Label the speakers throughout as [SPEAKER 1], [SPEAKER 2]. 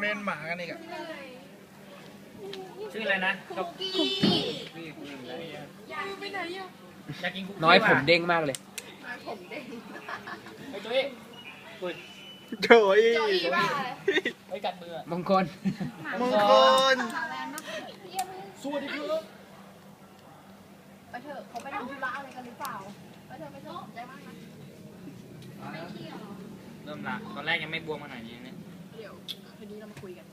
[SPEAKER 1] เมนหมากันอีกอะ
[SPEAKER 2] ชื่ออะไรนะคุกกี้อยากกินคุกกี้
[SPEAKER 3] น้อยผมเด้งมากเลย
[SPEAKER 2] ไอ้จุ้ยอุ้ย
[SPEAKER 1] โถย
[SPEAKER 2] ไอ้กัดมือ
[SPEAKER 3] มงคล
[SPEAKER 1] มงคล
[SPEAKER 2] สวัสดีครับ
[SPEAKER 4] ไปเถอะเขาไปทำธุระอะไรกันหรือเปล่าไปเถอะไปเถอะใจมากนะ
[SPEAKER 2] เริ่มละตอนแรกยังไม่บวมขนาดนี้เนี่ย
[SPEAKER 4] เดี๋ยวคืนนี้เรามาคุยกัน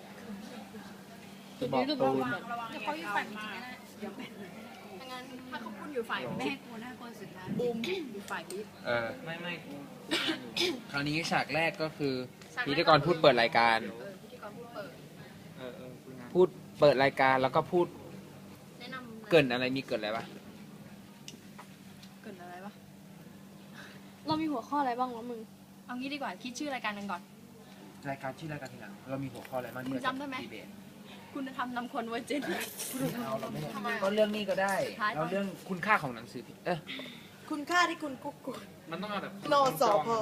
[SPEAKER 3] บอกตูน
[SPEAKER 4] เดี๋ยวเขาอยู่ฝ่ายจริงๆนะเดี๋ยวถ้างั้นถ้าเขาพูดอยู่ฝ่ายแม่กูนะคนสุดท้ายบูมอยู่ฝ่ายบิ๊ก
[SPEAKER 2] ไม่กู
[SPEAKER 3] คราวนี้ฉากแรกก็คือพิธีกรพูดเปิดรายการ
[SPEAKER 4] พิธีกรพูดเปิด
[SPEAKER 2] คุยงาน
[SPEAKER 3] พูดเปิดรายการแล้วก็พูด
[SPEAKER 4] แนะนำ
[SPEAKER 3] เกรินอะไรมีเกรินอะไรปะ
[SPEAKER 4] เกินอะไรวะ
[SPEAKER 5] เรามีหัวข้ออะไรบ้างวะมึง
[SPEAKER 4] เอางี้ดีกว่าคิดชื่อรายการกันก่อน
[SPEAKER 3] รายการชื่อรายการทีหลังเรามีหัวข้ออะไรบ้างที่
[SPEAKER 4] มึงจำได้ไหม
[SPEAKER 3] ดีเบต
[SPEAKER 4] คุณธรรมนำคนไว้เจน
[SPEAKER 3] ก็เรื่องนี้ก็ได้
[SPEAKER 4] สุดท้าย
[SPEAKER 3] เราเรื่องคุณค่าของหนังสือพิมพ์
[SPEAKER 6] คุณค่าที่คุณกุ๊กกุ๊ก
[SPEAKER 2] มันต้องเอาแบบ
[SPEAKER 6] โนสอพอ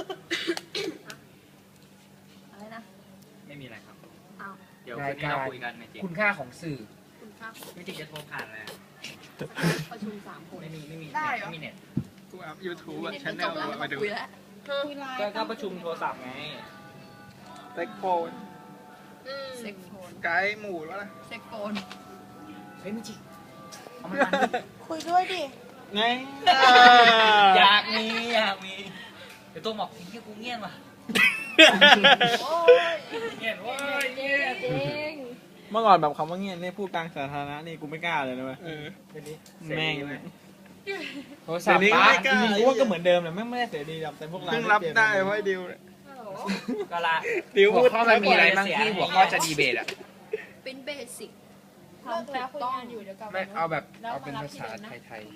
[SPEAKER 4] อะไรนะ
[SPEAKER 2] ไม่มีอะไรครับ
[SPEAKER 4] เอา
[SPEAKER 2] เดี๋ยวคืนนี้เราคุยกันในจริง
[SPEAKER 3] คุณค่าของสื่อ
[SPEAKER 4] คุณค่าของ
[SPEAKER 2] ไม่จริงจะโทรผ่านเลย
[SPEAKER 4] ประชุม3 คน
[SPEAKER 2] ไม่มีไม่มีเน็ต
[SPEAKER 1] กูอัพยูทูบอะ
[SPEAKER 4] เด็ก
[SPEAKER 1] ชา
[SPEAKER 4] ก็
[SPEAKER 1] แน
[SPEAKER 4] จ
[SPEAKER 1] ล
[SPEAKER 4] บแล้ว
[SPEAKER 1] มา
[SPEAKER 4] มา
[SPEAKER 1] ดู
[SPEAKER 4] คุยแล้ว
[SPEAKER 2] ก็ประชุมโทรศัพท์ไง
[SPEAKER 1] เซ็กโฟน
[SPEAKER 4] เซ็กโฟน
[SPEAKER 1] ไกด์หมูแล้วนะ
[SPEAKER 4] เซ็กโฟน
[SPEAKER 2] เฮ้ยไม่จริงเอามันมา
[SPEAKER 6] คุยด้วยดิ
[SPEAKER 1] ไง
[SPEAKER 2] อยากมีเดี๋ยวตัวบอกไอ้เหี้ยกูเงียบว่ะ
[SPEAKER 4] โอ้ย
[SPEAKER 2] เงียบเว้ยเงียบ
[SPEAKER 5] จริง
[SPEAKER 1] เมื่อก่อนแบบคำว่าเงี้ยเนี่ยพูดกลางสาธารณะนี่กูไม่กล้าเลยนะเว้ย
[SPEAKER 2] เดี๋ยวนี้
[SPEAKER 1] แม่ง
[SPEAKER 3] โทรศัพท์
[SPEAKER 1] เดี๋ยวนี้
[SPEAKER 3] ป้า
[SPEAKER 1] ไม่กล้า
[SPEAKER 7] จริงๆกูว่าก็เหมือนเดิมแหละไม่ได้เสียดีหรอกแต่พวกเรา
[SPEAKER 1] เพิ่งรับได้เพราะไอ้ดิวเนี่ย
[SPEAKER 4] ฮัลโหล
[SPEAKER 2] ก็ละ
[SPEAKER 1] ดิว
[SPEAKER 3] หั
[SPEAKER 1] พู
[SPEAKER 3] ว
[SPEAKER 1] ด
[SPEAKER 3] ข้อมันมีอะไรบ้างที่หัวข้อจะดีเบตอ่ะ
[SPEAKER 4] เป็นเบสิก
[SPEAKER 5] เลิกแล้วคุยงานอยู่เดี๋ยวกลับ
[SPEAKER 3] ไม่เอาแบบเอาเป็นภาษาไทย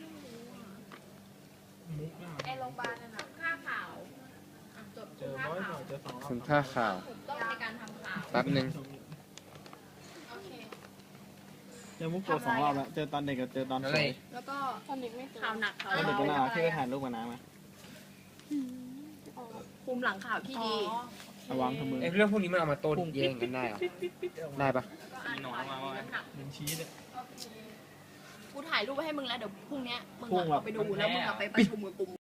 [SPEAKER 4] ไอโรงพยาบาลนั่นน่ะค่าข่าวจด
[SPEAKER 7] เจอ
[SPEAKER 4] ค่า
[SPEAKER 7] ร้อย
[SPEAKER 4] ข่าว
[SPEAKER 7] เจอสอง
[SPEAKER 3] ๆคุณค่าข่าว
[SPEAKER 4] ถูกต้องในการทำข่าว
[SPEAKER 3] แป๊บนึง
[SPEAKER 4] โอเค
[SPEAKER 7] เจอมุกโกสองรอบแล้วเจอตอนเด็กกับเจอตอนสวย
[SPEAKER 4] แล้วก็
[SPEAKER 5] ตอนเด็กไม่เคย
[SPEAKER 4] ข่าวหนักข่าว
[SPEAKER 7] ตอนเด็กก็น่ารักที่ไปถ่ายรูปกับน้ำมา
[SPEAKER 4] ภูมิหลังข่าวที่ดี
[SPEAKER 7] ระวังทุกมือ
[SPEAKER 3] เรื่องพวกนี้มันเอามาโต้แย้งกันได้เหรอได้ปะ
[SPEAKER 4] ก็อ่าน
[SPEAKER 2] หนอน
[SPEAKER 4] ข่าว
[SPEAKER 2] มาว่า
[SPEAKER 4] น้ำหนัก
[SPEAKER 7] เป็นชี้เลย
[SPEAKER 4] กูถ่ายรูปไว้ให้มึงแล้วเดี๋ยวพรุ่งเนี้ยมึง
[SPEAKER 7] พรุ่ง
[SPEAKER 4] อะ
[SPEAKER 7] แบบ
[SPEAKER 4] เอาไปดูแล้วมึงอะไปประชุมกับกลุ่ม